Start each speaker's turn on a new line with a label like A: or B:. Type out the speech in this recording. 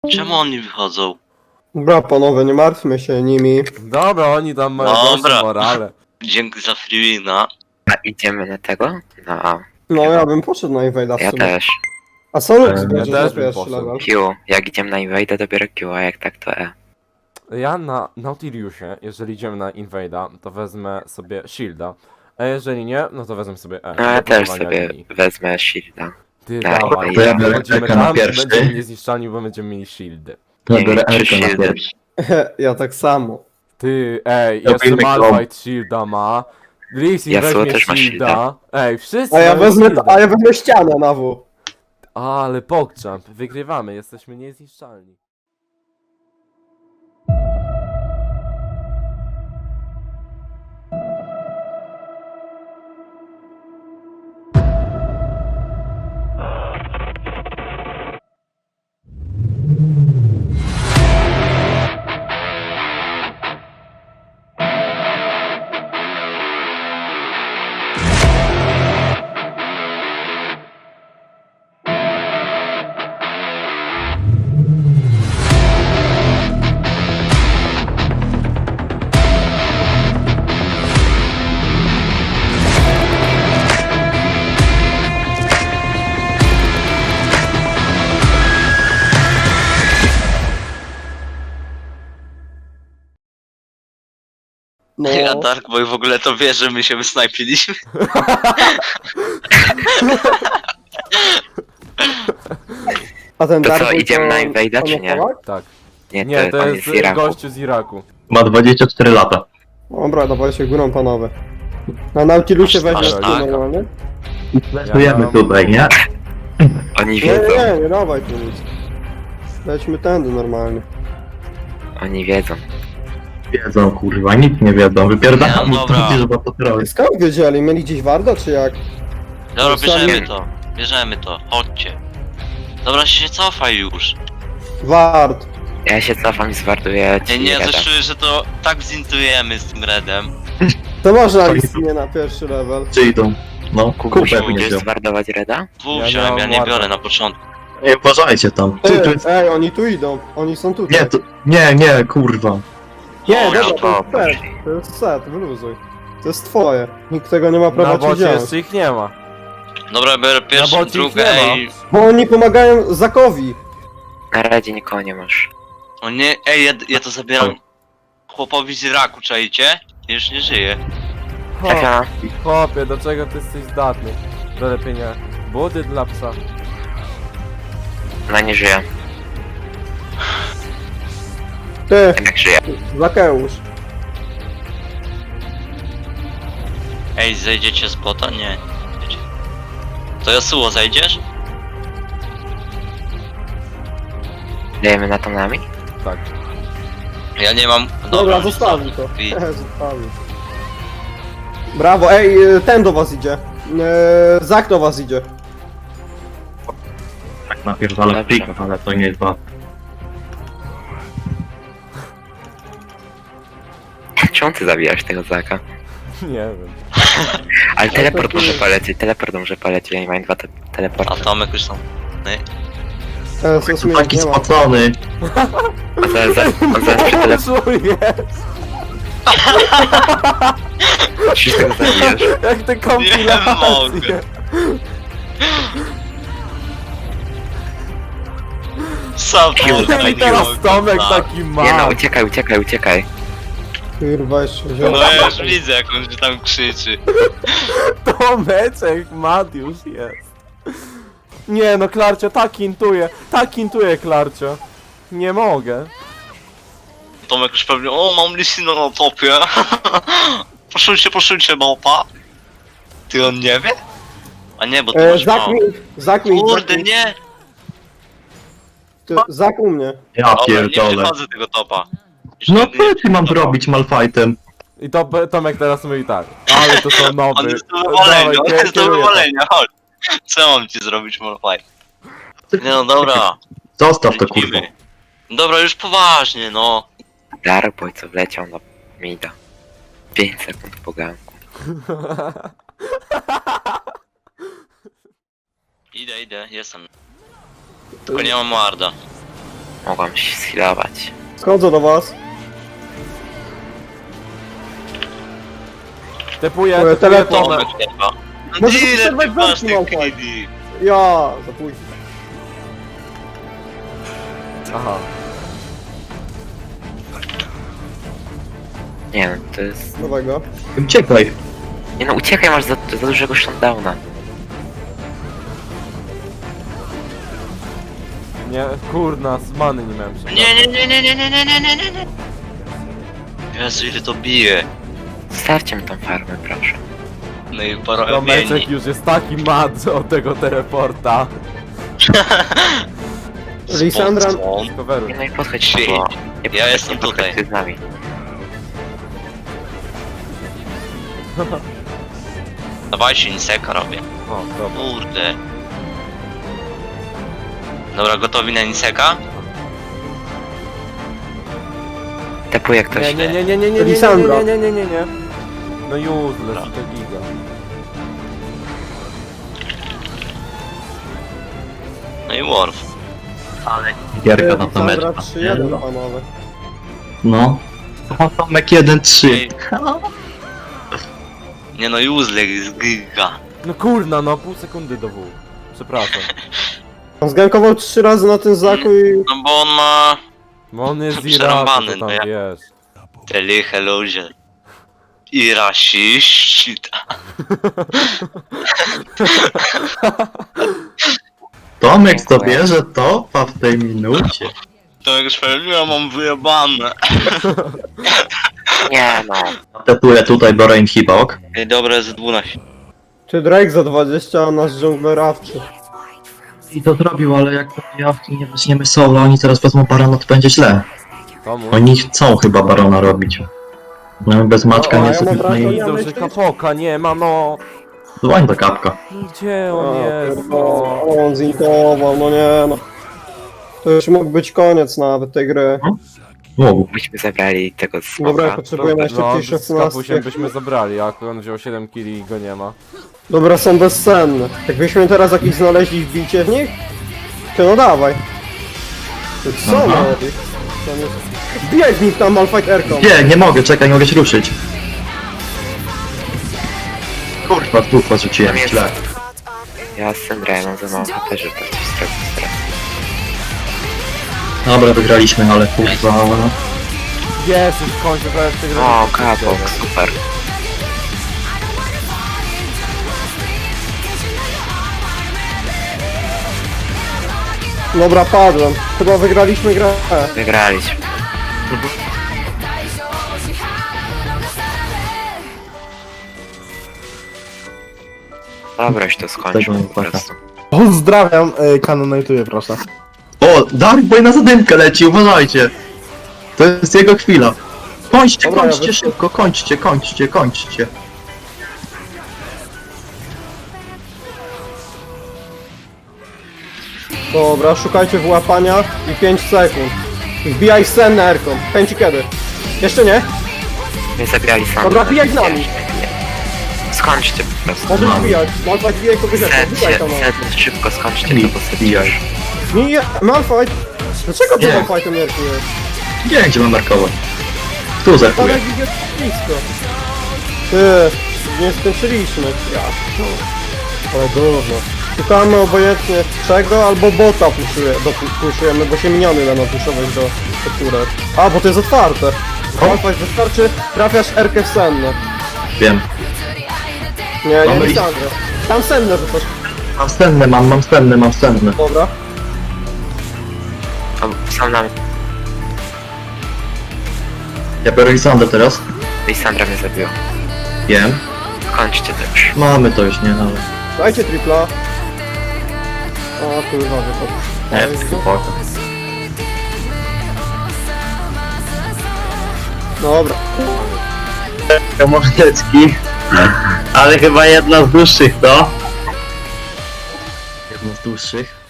A: Czemu oni wychodzą?
B: Dobra, panowie, nie martwmy się nimi.
C: Dobra, oni tam mają
A: Dobra.
C: gorszą morale.
A: Dzięki za freewina.
D: A idziemy na tego? No,
B: No, ja bym poszedł na Invade'a w
D: ja
B: sumie.
D: też.
B: A co Lux
C: ja
B: będzie
C: też
B: na
C: bym
B: pierwszy
C: poszedł.
B: level?
D: Q, jak idziemy na Invade, to biorę Q, a jak tak to E.
C: Ja na Nautiliusie, jeżeli idziemy na Invade'a, to wezmę sobie Shielda. A jeżeli nie, no to wezmę sobie E.
D: No ja
C: do
D: też
C: budowania
D: sobie
C: linii.
D: wezmę shielda.
C: Ty,
D: Tak,
C: dawaj,
D: to ja
E: biorę
C: chodzimy
E: Eka na
C: tam i
E: pierwszy.
C: będziemy niezniszczalni, bo będziemy mieli shieldy.
E: To ja biorę
D: Większy
E: Erkę na
D: shield.
E: pierwszy.
B: Ja tak samo.
C: Ty, ej,
E: Ja
C: jeszcze
E: bym
C: Malphite shielda ma. Lee
D: Yasuo
C: weźmie
D: też ma
C: shielda.
D: shielda.
C: Ej, wszyscy
B: A ja
C: mają
B: wezmę,
C: shielda.
B: a ja wezmę ścianę na W.
C: Ale PogChamp, wygrywamy, jesteśmy niezniszczalni.
B: No,
A: Ja Darkboy w ogóle to wie, że my się wysnajpiliśmy.
B: a ten
D: To co,
B: Dark Boy
D: idziemy na
B: to-
D: Invade'a,
B: to
D: czy nie?
B: Polak?
C: Tak.
D: Nie,
C: Nie, to
D: on
C: jest
D: z Iraku.
C: gościu z Iraku.
E: Ma 24 lata.
B: Dobra, dawaj się górą, panowie. Na Nautilusie
A: Aż
B: weźmiesz
A: tak?
B: tu normalnie?
E: Weszujemy
C: mam-
E: tutaj, nie?
D: Oni
B: Nie,
D: wiedzą,
B: nie dawaj tu nic. Lećmy tędy normalnie.
D: oni wiedzą.
E: Wiedzą, kurwa, nic nie wiedzą. Wypierdam,
A: Nie, dobra.
E: że to robić.
B: Skąd wiedzieli? Mieli gdzieś Warda, czy jak?
A: Dobra,
B: Sami-
A: bierzemy to, chodźcie. Dobra, się cofaj już.
B: Ward.
D: Ja się cofam i zwarduję
A: Nie,
D: ci
A: nie,
D: Reda.
A: coś czuję, że to tak zintujemy z tym redem.
B: To można iść nie na pierwszy level.
E: Czy idą? No, kupę
D: Kubuś, pójdziesz
E: będzie.
D: zwardować Reda?
A: Dwóch
C: Ja nie
A: wziąłem,
C: mam
A: ja nie
C: ładna.
A: biorę na początku.
E: Nie, uważajcie tam. Tu jest...
B: Ej, oni tu idą. Oni są tutaj.
E: Nie, to... nie, kurwa.
B: Nie,
A: O,
B: dobra,
D: no
B: to
D: to
B: jest set.
D: poszli.
B: To jest set, wyluzuj. To jest twoje. Nikt tego nie ma prawa
C: Na
B: ci
C: bocie
B: wziąć.
C: jeszcze ich nie ma.
A: Dobra, biorę pierwszą,
C: bocie ich
A: drugą,
C: nie ma.
A: ej.
B: Bo oni pomagają Zakowi.
D: Na Redzie nikogo nie masz.
A: O nie, ej, ja to zabieram chłopowi z Iraku, czajcie? Już nie żyje.
C: Ho,
D: Trafia.
C: chłopie, do czego ty jesteś zdatny? Do lepienia budy dla psa.
D: Ona nie żyje.
B: Ty,
D: Jednak żyje.
B: Zakeusz.
A: Ej, zejdziecie z bota? Nie. Wiecie. To Yasuo, zejdziesz?
D: Dajemy na to nami?
C: Tak.
A: Ja nie mam...
B: Dobra, zostawił to.
A: I-
B: Zostawił. Brawo, ej, ten do was idzie. Zak do was idzie.
E: Tak napierdolę
D: Dobrze.
E: plików, ale to nie jest was.
D: Czemu ty zabijasz tego Zaka?
C: Nie wiem.
D: Ale teleport
B: to
D: może
B: jest-
D: polecieć, teleport może polecieć, ja nie mam dwa
A: A
D: teleporty.
A: Tomek już są...
B: Sos mnie
E: Taki
B: nie ma.
E: spocony.
D: On zaraz przy teleporcie,
C: Czujesz?
D: przecież tego zabijesz.
C: Jak te
A: Nie
C: kompilacje.
A: mogę. Support,
C: I teraz Tomek taki
D: Nie no,
C: ma.
D: uciekaj.
B: Kurwa, jeszcze
A: No
B: wziął.
A: ja już widzę, jak on się tam krzyczy.
C: Tomeczek Madiusz jest. Nie no, Klarcio, tak intuje Klarcio. Nie mogę.
A: Tomek już pewnie, o, mam Lissina na topie. Poszujcie, małpa. Ty on nie wie? A nie, bo ty masz
B: Zak
A: mało.
B: mi, Zak mi,
A: Kurde, nie!
B: Zak u mnie.
E: Ja
A: Dobra, nie
E: pierdolę.
A: przechodzę tego topa. Już
E: No
A: nigdy nie
E: co ty mam
A: przechodzę.
E: zrobić Malfightem?
C: I to Tomek teraz mówi tak. Ale to są
A: On
C: noby.
A: jest do wywalenia, on jest do
C: kieruję to.
A: wywalenia, chodź. Co mam ci zrobić, Malphite? Nie no, dobra.
E: Zostaw to kurwa.
A: lecimy. Dobra, już poważnie, no.
D: Darboy co wleciał na mida. 5 sekund po ganku.
A: Idę, jestem. Tylko nie mam warda.
D: Mogłam się schilować.
B: Schodzę do was.
C: Tepuję,
B: Tepuję,
C: tepuję
B: teleport.
C: Tomek.
B: Może
A: Ile
B: przerwać
A: ty masz
B: zamki,
A: tych
B: Malfoy?
A: kili?
B: Ja, za późno.
C: Aha.
D: Nie no, to jest...
B: Nowego.
E: Uciekaj.
D: Nie no, uciekaj, masz za dużego shutdowna.
C: Nie, kurna, z many nie miałem się.
A: Nie. Jezu, ile to bije.
D: Starcie mi tą farmę, proszę.
A: No i pora
C: Tomeczek już jest taki mad od tego teleporta.
B: Lisandra...
C: Coveruj.
D: Nie no i podchodź
A: Shit.
D: tu, bo... Nie
A: Ja
D: podchodź,
A: jestem
D: nie podchodź,
A: tutaj.
D: ty z nami.
A: Dawajcie, Niseka robię.
C: O, dobra.
A: Kurde. Dobra, gotowi na Niseka?
D: Tepuje ktoś.
C: Nie.
B: Lisandra.
C: Nie. No useless, to giga.
A: No i Worf.
E: Gierka na
B: Lisandra
E: Tomeczka.
B: 3-1, panowie.
E: No. O, Tomek 1-3.
A: Nie no, useless jest giga.
C: No kurna, no pół sekundy do W. Przepraszam.
B: On zgankował 3 razy na tym zaku i...
A: No bo on ma
C: Bo on jest
A: Przerąbany,
C: Iraku, to
A: no
C: tam
A: ja-
C: wiesz.
A: te liche ludzie. I rasiści.
E: Tomek to bierze topa w tej minucie.
A: To jak sprawiedliwa mam wyjebane.
D: Nie no.
E: Tepuję tutaj, biorę inhibok.
A: Ej, dobra, z 12.
B: Czy Drake za 20, a nasz dżungler awczy.
E: I to zrobił, ale jak jawki nie weźmiemy solo, oni teraz wezmą barona, to będzie źle.
C: Komu?
E: Oni chcą chyba barona robić. No bez maczka
B: No, a
E: nie
B: ja mam
E: sobie
B: wrażenie,
E: no i
C: Widzą, że kapoka nie ma, no.
E: dzwoń do kapka.
C: Gdzie on jest, no?
B: O, on zintował, no nie no. To już mógł być koniec nawet tej gry.
E: Mógł.
D: Byśmy zabrali tego z
B: Dobra,
D: smoka.
B: potrzebujemy jeszcze
C: No,
B: jakieś
C: z
B: 16.
C: kapusiem byśmy zabrali, a on wziął 7 killi i go nie ma.
B: Dobra, są bezcenne. Jakbyśmy teraz jakiś znaleźli wbicie w nich? To no dawaj. To co
E: Aha.
B: on robi? To nie- Wbijaj w nich tam Malfight Aircom.
E: Nie mogę, czekaj, nie mogę się ruszyć. Kurwa, dwóch porzuciłem,
D: Tam jest-
E: źle.
D: Ja z Sandra mam za mało HP, żeby to coś zrobić teraz.
E: Dobra, wygraliśmy, ale kurwa...
C: Jest, już w końcu prawie przegraliśmy.
D: O, kapok, super.
B: Dobra, padłem. Chyba wygraliśmy grę.
D: Wygraliśmy. Dobra, już to skończył
E: Tego
D: po
E: nie
D: prostu.
F: Pozdrawiam, kanonajtuję proszę.
E: O, Dark Boy na zadymkę leci, uważajcie! To jest jego chwila. Kończcie,
B: Dobra, ja
E: kończcie
B: wyszło.
E: szybko, kończcie.
B: Dobra, szukajcie wyłapania i 5 sekund. Wbijaj scenę Aircom. Pęci kiedy? Jeszcze nie?
D: Nie zabierali Sandra.
B: Dobra, bijaj z nami.
D: Skończcie po prostu.
B: Możesz
E: No.
B: wbijać. Malfight wbijaj kogoś jeszcze. Wbijaj tam.
D: Set, szybko skończcie to, bo set
E: Bijaj.
D: już.
B: Nie, Malfight. Dlaczego ty
E: Nie.
B: Malfightem nerkujesz?
E: Nie, gdzie mam markować? Tu
B: Tam
E: zerkuję.
B: jak idzie blisko. Ty, nie skończyliśmy. Ja. Ale gówno. Szukamy obojętnie czego albo bota puszujemy, bo się miniony będą puszować do turek. A, bo to jest otwarte. Malfight, wystarczy trafiasz Erkę w senne.
E: Wiem.
B: Nie, nie
E: Mamy
B: Lisandrę. Tam senne rzucasz.
E: Mam stenne.
B: Dobra.
D: O, są nam.
E: Ja biorę Lisandrę teraz.
D: I Sandra mnie zabiła.
E: Wiem.
D: Kończcie to już.
E: Mamy to już, nie? Ale...
B: Dajcie tripla. O kurwa, wypadł.
E: Nie, spoko.
B: Dobra.
E: Mordecki. Ale chyba jedna z dłuższych, to? Jedna z dłuższych.